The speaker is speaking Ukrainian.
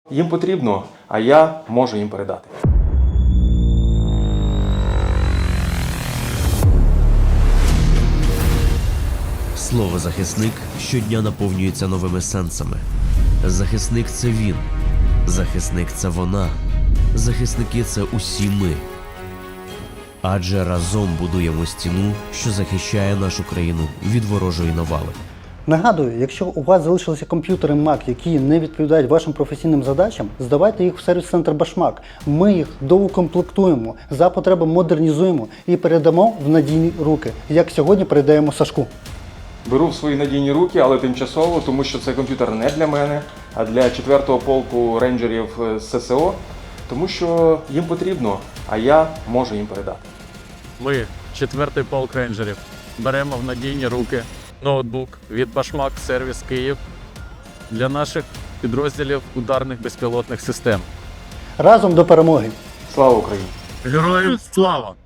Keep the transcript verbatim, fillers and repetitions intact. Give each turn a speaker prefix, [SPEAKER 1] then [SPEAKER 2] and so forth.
[SPEAKER 1] Їм потрібно, а я можу їм передати.
[SPEAKER 2] Слово «захисник» щодня наповнюється новими сенсами. Захисник – це він. Захисник – це вона. Захисники – це усі ми. Адже разом будуємо стіну, що захищає нашу країну від ворожої навали.
[SPEAKER 3] Нагадую, якщо у вас залишилися комп'ютери Mac, які не відповідають вашим професійним задачам, здавайте їх в сервіс-центр Башмак. Ми їх доукомплектуємо, за потреби модернізуємо і передамо в надійні руки, як сьогодні передаємо Сашку.
[SPEAKER 1] Беру в свої надійні руки, але тимчасово, тому що цей комп'ютер не для мене, а для четвертого полку рейнджерів з ССО, тому що їм потрібно, а я можу їм передати.
[SPEAKER 4] Ми, четвертий полк рейнджерів, беремо в надійні руки ноутбук від Башмак Сервіс Київ для наших підрозділів ударних безпілотних систем.
[SPEAKER 3] Разом до перемоги!
[SPEAKER 1] Слава Україні!
[SPEAKER 4] Героям слава!